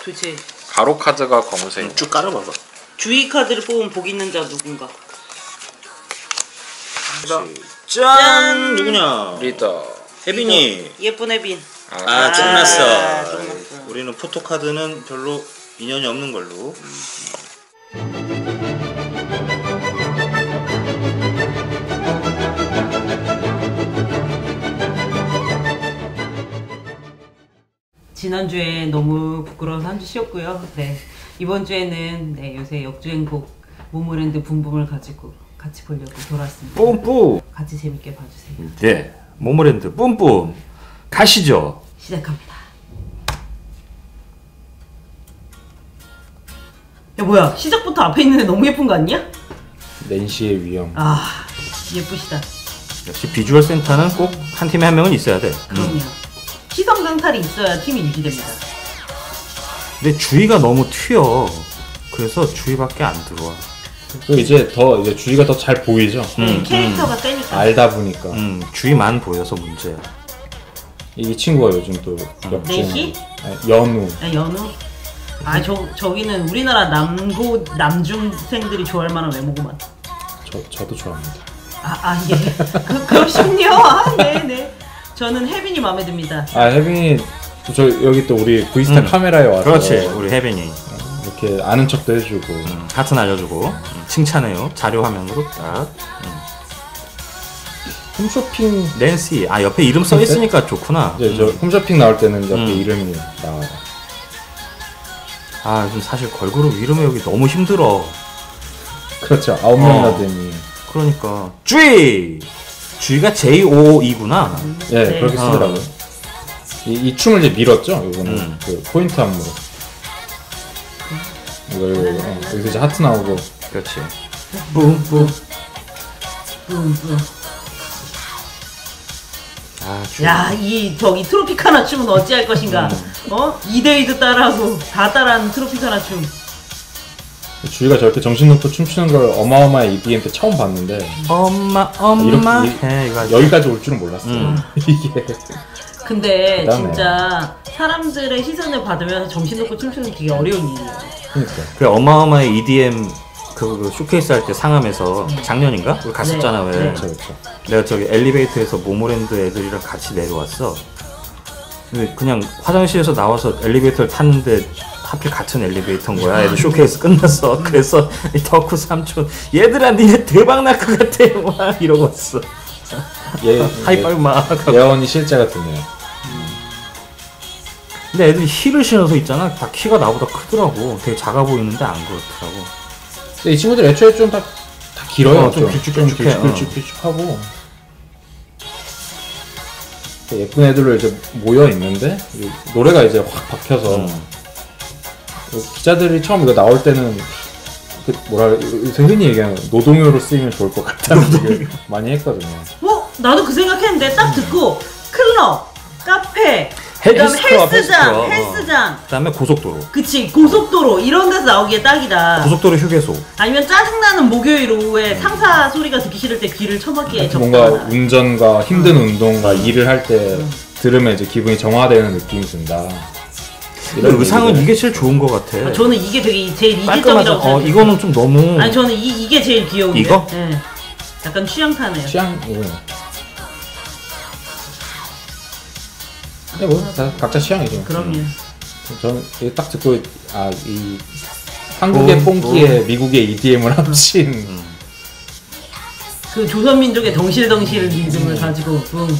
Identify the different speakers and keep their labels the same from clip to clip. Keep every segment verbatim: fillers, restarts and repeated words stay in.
Speaker 1: 그치.
Speaker 2: 가로 카드가 검은색.
Speaker 3: 음, 쭉 깔아봐봐.
Speaker 1: 주의 카드를 뽑은 복 있는 자 누군가.
Speaker 3: 짠! 누구냐?
Speaker 2: 리더.
Speaker 3: 혜빈이.
Speaker 1: 예쁜 혜빈.
Speaker 3: 아,
Speaker 1: 아,
Speaker 3: 짠났어.
Speaker 1: 아, 짠났어.
Speaker 3: 우리는 포토카드는 별로 인연이 없는 걸로.
Speaker 1: 지난주에 너무 부끄러워서 한 주 쉬었고요. 네. 이번 주에는 네, 요새 역주행곡 모모랜드 붐붐을 가지고 같이 보려고 돌아왔습니다.
Speaker 4: 뿜뿜.
Speaker 1: 같이 재밌게 봐주세요.
Speaker 4: 네, 모모랜드 뿜뿜 가시죠.
Speaker 1: 시작합니다. 야 뭐야, 시작부터 앞에 있는 애 너무 예쁜 거 아니야?
Speaker 5: 낸시의 위험.
Speaker 1: 아 예쁘시다.
Speaker 4: 역시 비주얼 센터는 꼭 한 팀에 한 명은 있어야 돼.
Speaker 1: 그럼요.
Speaker 4: 음.
Speaker 1: 시선 강탈이 있어야 팀이 유지됩니다.
Speaker 4: 근데 주위가 너무 튀어. 그래서 주위밖에 안 들어와.
Speaker 5: 그 이제 더 이제 주위가 더 잘 보이죠.
Speaker 1: 네,
Speaker 4: 음,
Speaker 1: 캐릭터가 세니까.
Speaker 5: 알다 보니까
Speaker 4: 음, 주위만 보여서 문제야.
Speaker 5: 이 친구가 요즘 또 역주행.
Speaker 1: 내시?
Speaker 5: 아니, 연우.
Speaker 1: 아, 연우? 아, 저, 저기는 우리나라 남고, 남중생들이 좋아할 만한 외모구만.
Speaker 5: 저 저도 좋아합니다.
Speaker 1: 아, 아, 예. 그, 그러시군요. 아, 네네. 저는 혜빈이 마음에 듭니다.
Speaker 5: 아 혜빈이 저 여기 또 우리 브이스타
Speaker 4: 음.
Speaker 5: 카메라에 와서
Speaker 4: 그렇지, 우리 혜빈이.
Speaker 5: 이렇게 아는 척도 해주고.
Speaker 4: 음, 하트 날려주고 음, 칭찬해요. 자료 화면으로 딱. 음.
Speaker 5: 홈쇼핑
Speaker 4: 낸시. 아, 옆에 이름 써 있으니까 좋구나.
Speaker 5: 이제
Speaker 4: 음.
Speaker 5: 저 홈쇼핑 나올 때는 옆에
Speaker 4: 음.
Speaker 5: 이름이 나와요.
Speaker 4: 아, 요즘 사실 걸그룹 이름 외우기 너무 힘들어.
Speaker 5: 그렇죠. 아홉 명이나
Speaker 4: 어.
Speaker 5: 되니.
Speaker 4: 그러니까 주의! 주의가 제이 오 이구나.
Speaker 5: 예,
Speaker 1: 네.
Speaker 5: 그렇게
Speaker 4: 어.
Speaker 5: 쓰더라고요. 이, 이 춤을 이제 밀었죠. 이거는
Speaker 4: 음.
Speaker 5: 그 포인트 안무로. 이거 이거 이거 어, 여기서 이제 하트 나오고.
Speaker 4: 그렇지. 뿜뿜.
Speaker 1: 뿜뿜.
Speaker 4: 아, 주의.
Speaker 1: 야, 이, 저기 트로피카나 춤은 어찌할 것인가. 어? 이데이도 따라하고, 다 따라하는 트로피카나 춤.
Speaker 5: 주희가 저렇게 정신 놓고 춤추는 걸 어마어마한 이디엠 때 처음 봤는데
Speaker 4: 엄마, 엄마.
Speaker 5: 이렇게
Speaker 4: 해, 이거 아주-
Speaker 5: 여기까지 올 줄은 몰랐어요.
Speaker 4: 음.
Speaker 5: 이게
Speaker 1: 근데
Speaker 5: 대단해.
Speaker 1: 진짜 사람들의 시선을 받으면서 정신 놓고 춤추는 게 되게 어려운 일이에요.
Speaker 5: 그러니까.
Speaker 4: 그 어마어마한 이디엠 그, 그 쇼케이스 할 때 상암에서 작년인가? 우리 갔었잖아.
Speaker 1: 네,
Speaker 4: 왜?
Speaker 1: 네.
Speaker 5: 그렇죠, 그렇죠.
Speaker 4: 내가 저기 엘리베이터에서 모모랜드 애들이랑 같이 내려왔어. 근데 그냥 화장실에서 나와서 엘리베이터를 탔는데 하필 같은 엘리베이터인 거야. 애들 쇼케이스 끝났어. 그래서 이 덕후 삼촌 얘들아 니네 대박 날 것 같아. 막 이러고 왔어.
Speaker 5: 얘
Speaker 4: 하이파이브 막 하고.
Speaker 5: 예원이 실제 같은데요.
Speaker 4: 근데 애들이 힐을 신어서 있잖아. 다 키가 나보다 크더라고. 되게 작아 보이는데 안 그렇더라고.
Speaker 5: 근데 이 친구들 애초에 좀 다 다 길어요.
Speaker 4: 어, 좀 길쭉길쭉해. 어.
Speaker 5: 길쭉길쭉하고 예쁜 애들로 이제 모여 있는데 이 노래가 이제 확 박혀서
Speaker 4: 음.
Speaker 5: 기자들이 처음 이거 나올 때는 그 뭐라 요새 흔히 얘기하는 노동요로 쓰이면 좋을 것 같다는 얘기를 많이 했거든요.
Speaker 1: 어? 나도 그 생각했는데 딱 듣고 클럽, 카페,
Speaker 4: 헬-
Speaker 1: 그다음에
Speaker 4: 헬스클럽,
Speaker 1: 헬스장,
Speaker 4: 헬스클럽.
Speaker 1: 헬스장,
Speaker 4: 그 다음에 고속도로.
Speaker 1: 그치 고속도로 이런 데서 나오기에 딱이다.
Speaker 4: 고속도로 휴게소.
Speaker 1: 아니면 짜증나는 목요일 오후에 상사 소리가 듣기 싫을 때 귀를 쳐막기에
Speaker 5: 뭔가
Speaker 1: 적당하다.
Speaker 5: 운전과 힘든 운동과 일을 할 때 들으면 이제 기분이 정화되는 느낌이 든다.
Speaker 4: 근데 의상은 이게 제일 좋은 것 같아.
Speaker 1: 아, 저는 이게 되게 제일
Speaker 4: 깔끔하죠.
Speaker 1: 이질적이라고
Speaker 4: 어,
Speaker 1: 생각해요.
Speaker 4: 이거는 좀 너무.
Speaker 1: 아니 저는 이, 이게 제일 귀여운데.
Speaker 4: 이거?
Speaker 1: 네. 약간 취향타네요.
Speaker 5: 취향 이거. 근데 뭐 다 각자 취향이죠.
Speaker 1: 그럼요.
Speaker 5: 저는 이거 딱 듣고 아 이 한국의
Speaker 4: 어,
Speaker 5: 뽕기에 미국의 이디엠을 합친
Speaker 4: 음.
Speaker 1: 그 조선민족의 덩실덩실
Speaker 4: 음.
Speaker 1: 리듬을 가지고 응.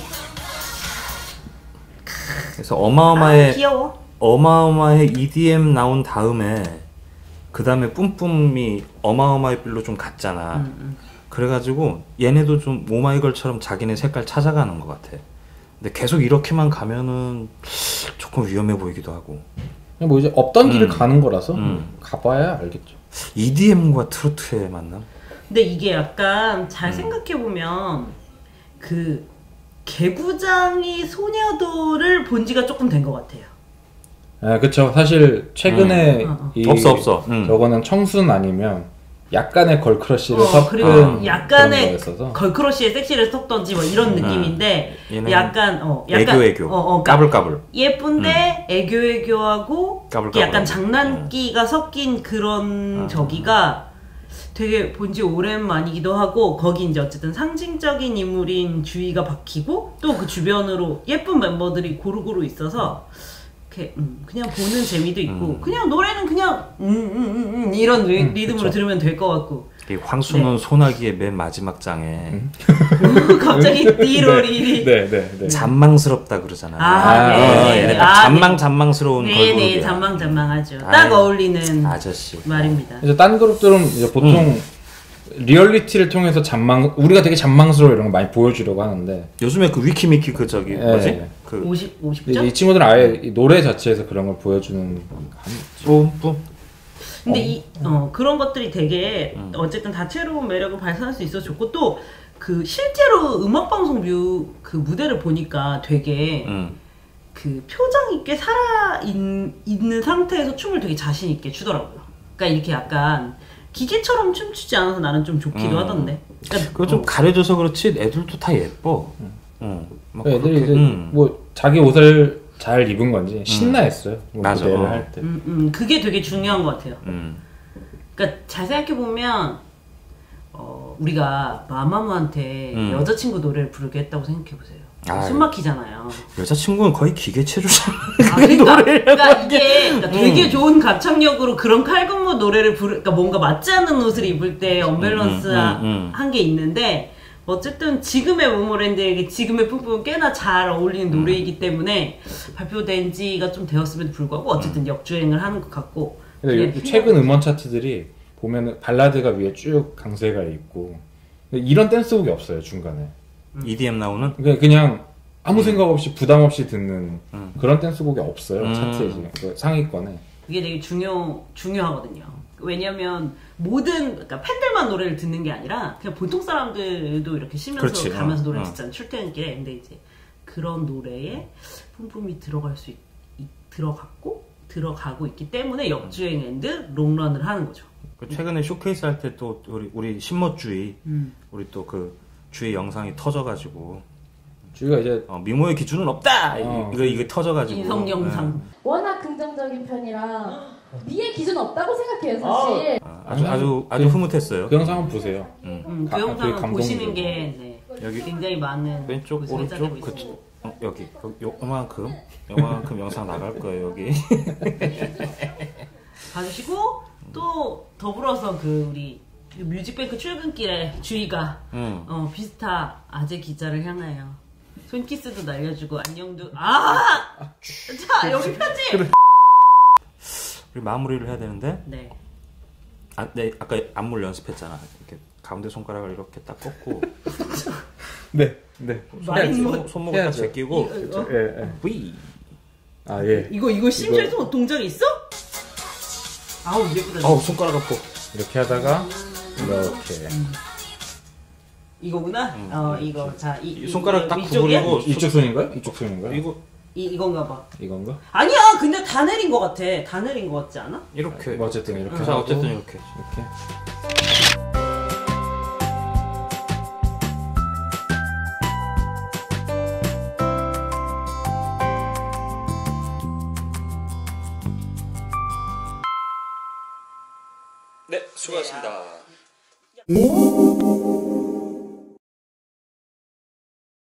Speaker 4: 그래서 어마어마해.
Speaker 1: 아, 귀여워.
Speaker 4: 어마어마해 이디엠 나온 다음에 그 다음에 뿜뿜이 어마어마해 빌로 좀 갔잖아.
Speaker 1: 음, 음.
Speaker 4: 그래가지고 얘네도 좀 오마이걸처럼 자기네 색깔 찾아가는 것 같아. 근데 계속 이렇게만 가면은 조금 위험해 보이기도 하고.
Speaker 5: 그냥 뭐 이제 없던 길을
Speaker 4: 음.
Speaker 5: 가는 거라서
Speaker 4: 음.
Speaker 5: 가봐야 알겠죠.
Speaker 4: 이디엠과 트로트의 만남?
Speaker 1: 근데 이게 약간
Speaker 4: 음.
Speaker 1: 잘 생각해보면 그 개구장이 소녀도를 본 지가 조금 된 것 같아요.
Speaker 5: 아 그쵸. 사실 최근에
Speaker 1: 음. 어, 어.
Speaker 5: 이
Speaker 4: 없어, 없어. 음.
Speaker 5: 저거는 청순 아니면 약간의 걸크러쉬를
Speaker 1: 어,
Speaker 5: 섞은
Speaker 1: 그리고
Speaker 5: 그런
Speaker 1: 약간의
Speaker 5: 거였어서
Speaker 1: 걸크러쉬에 섹시를 섞던지 뭐 이런 느낌인데
Speaker 4: 얘는
Speaker 1: 약간 어 약간
Speaker 4: 애교 애교
Speaker 1: 어, 어,
Speaker 4: 까불까불
Speaker 1: 예쁜데 애교 애교하고
Speaker 4: 까불까불.
Speaker 1: 약간 장난기가 섞인 그런
Speaker 4: 음.
Speaker 1: 저기가 되게 본지 오랜만이기도 하고 거기 이제 어쨌든 상징적인 인물인 주희가 박히고 또 그 주변으로 예쁜 멤버들이 고루고루 있어서 이렇게 음, 그냥 보는 재미도 있고
Speaker 4: 음.
Speaker 1: 그냥 노래는 그냥 음, 음, 음, 음, 이런 리,
Speaker 5: 음,
Speaker 1: 리듬으로
Speaker 5: 그쵸.
Speaker 1: 들으면 될 것 같고
Speaker 4: 이 황순원
Speaker 1: 네.
Speaker 4: 소나기의 맨 마지막 장에
Speaker 1: 갑자기 띠로리리
Speaker 5: 네, 네, 네.
Speaker 4: 잔망스럽다 그러잖아.
Speaker 1: 아,
Speaker 5: 네.
Speaker 4: 어,
Speaker 1: 네.
Speaker 4: 얘네
Speaker 1: 아,
Speaker 4: 딱 잔망
Speaker 1: 네.
Speaker 4: 잔망스러운
Speaker 1: 네네
Speaker 4: 걸그룹이야.
Speaker 1: 잔망잔망하죠. 딱
Speaker 4: 아유,
Speaker 1: 어울리는
Speaker 4: 아저씨.
Speaker 1: 말입니다.
Speaker 5: 이제 딴 그룹들은 이제 보통
Speaker 4: 음.
Speaker 5: 리얼리티를 통해서 잔망 우리가 되게 잔망스러워 이런 거 많이 보여주려고 하는데
Speaker 4: 요즘에 그 위키미키 그 저기
Speaker 5: 예.
Speaker 4: 뭐지? 그
Speaker 1: 오십, 오십
Speaker 5: 이,
Speaker 1: 점?
Speaker 5: 이 친구들은 아예 이 노래 자체에서 그런 걸 보여주는
Speaker 4: 뿜뿜.
Speaker 1: 근데 이, 어, 그런 것들이 되게
Speaker 4: 음.
Speaker 1: 어쨌든 다채로운 매력을 발산할 수 있어서 좋고 또 그 실제로 음악방송 뮤 그 무대를 보니까 되게
Speaker 4: 음.
Speaker 1: 그 표정 있게 살아 있, 있는 상태에서 춤을 되게 자신 있게 추더라고요. 그러니까 이렇게 약간 기계처럼 춤추지 않아서 나는 좀 좋기도
Speaker 4: 음.
Speaker 1: 하던데. 그러니까
Speaker 4: 그거 좀 가려져서 그렇지 애들도 다 예뻐. 응. 막
Speaker 5: 애들이
Speaker 4: 그렇게,
Speaker 5: 이제
Speaker 4: 음.
Speaker 5: 뭐 자기 옷을 잘 입은 건지 신나했어요. 뭐
Speaker 4: 맞아.
Speaker 5: 무대를
Speaker 4: 어.
Speaker 5: 할 때.
Speaker 1: 음, 음, 그게 되게 중요한 것 같아요.
Speaker 4: 음.
Speaker 1: 그러니까 잘 생각해 보면 어, 우리가 마마무한테
Speaker 4: 음.
Speaker 1: 여자친구 노래를 부르게 했다고 생각해 보세요.
Speaker 4: 아유.
Speaker 1: 숨 막히잖아요.
Speaker 4: 여자친구는 거의 기계체조잖아.
Speaker 1: 아, 그러니까, 그러니까 이게 그러니까 되게 좋은 가창력으로 그런 칼군무 노래를 부르, 그러니까 뭔가 맞지 않는 옷을 입을 때 언밸런스한
Speaker 4: 음, 음, 음.
Speaker 1: 게 있는데 어쨌든 지금의 모모랜드에게 지금의 뿜뿜은 꽤나 잘 어울리는 노래이기 때문에 발표된 지가 좀 되었음에도 불구하고 어쨌든 역주행을 하는 것 같고.
Speaker 5: 근데
Speaker 1: 그게
Speaker 5: 요- 최근 음원 차트들이 보면은 발라드가 위에 쭉 강세가 있고 근데 이런 댄스곡이 없어요 중간에.
Speaker 4: 이디엠 나오는?
Speaker 5: 그냥 그냥 아무 생각 없이 부담 없이 듣는
Speaker 4: 음.
Speaker 5: 그런 댄스곡이 없어요
Speaker 4: 음.
Speaker 5: 차트에 지금 그 상위권에.
Speaker 1: 그게 되게 중요 중요하거든요. 왜냐면 모든 그러니까 팬들만 노래를 듣는 게 아니라 그냥 보통 사람들도 이렇게 쉬면서
Speaker 4: 그렇지.
Speaker 1: 가면서
Speaker 4: 어,
Speaker 1: 노래
Speaker 4: 어.
Speaker 1: 듣잖아요. 출퇴근길에. 근데 이제 그런 노래에 뿜뿜이 들어갈 수 있, 있- 들어갔고 들어가고 있기 때문에 역주행 앤드 롱런을 하는 거죠.
Speaker 4: 그 최근에 쇼케이스 할 때 또 우리 우리 신모주의
Speaker 1: 음.
Speaker 4: 우리 또 그 주의 영상이 터져가지고
Speaker 5: 주위가 이제
Speaker 4: 어, 미모의 기준은 없다.
Speaker 5: 어.
Speaker 4: 이거 이거 터져가지고.
Speaker 1: 인성 영상.
Speaker 6: 워낙 긍정적인 편이라 미의 기준 없다고 생각해요 사실.
Speaker 4: 어, 아주 아주 아주 흐뭇했어요.
Speaker 5: 그 영상 한번 보세요.
Speaker 1: 음, 그
Speaker 5: 가- 되게
Speaker 1: 영상은
Speaker 5: 감동적이고.
Speaker 1: 보시는 게 네,
Speaker 4: 여기
Speaker 1: 굉장히 많은
Speaker 4: 왼쪽
Speaker 1: 곳에 회자되고
Speaker 4: 오른쪽 그
Speaker 1: 있습니다.
Speaker 4: 어, 여기 그 요만큼 요만큼 영상 나갈 거예요 여기.
Speaker 1: 봐주시고 또 더불어서 그 우리 뮤직뱅크 출근길에 주희가
Speaker 4: 응.
Speaker 1: 어, 비스타 아재 기자를 향하여 손키스도 날려주고 안녕도 아! 자 여기 편지!
Speaker 4: 우리 마무리를 해야 되는데.
Speaker 1: 네.
Speaker 4: 아, 네 아까 안무를 연습했잖아. 이렇게 가운데 손가락을 이렇게 딱 꺾고
Speaker 5: 네, 네.
Speaker 1: 마린 뭐-
Speaker 4: 손목, 손목을 딱
Speaker 5: 해야죠.
Speaker 4: 제끼고
Speaker 1: 이거, 어?
Speaker 5: 예, 예.
Speaker 4: V.
Speaker 5: 아 예.
Speaker 1: 이거 이거 심지어
Speaker 5: 이거-
Speaker 1: 동작이 있어? 아우 예쁘다.
Speaker 4: 어우 손가락 아파.
Speaker 5: 이렇게 하다가 이렇게
Speaker 1: 이거구나? 어 이거 자 이,
Speaker 4: 이 손가락 딱
Speaker 1: 위쪽이야?
Speaker 4: 구부리고
Speaker 5: 이쪽 손인가요? 이쪽 손인가요?
Speaker 4: 이거
Speaker 1: 이, 이건가 봐.
Speaker 5: 이건가?
Speaker 1: 아니야 근데 다 내린 거 같아. 다 내린 거 같지 않아?
Speaker 4: 이렇게.
Speaker 5: 뭐 어쨌든 이렇게
Speaker 4: 자
Speaker 5: 하고
Speaker 4: 어쨌든 이렇게.
Speaker 5: 이렇게
Speaker 4: 네 수고하셨습니다.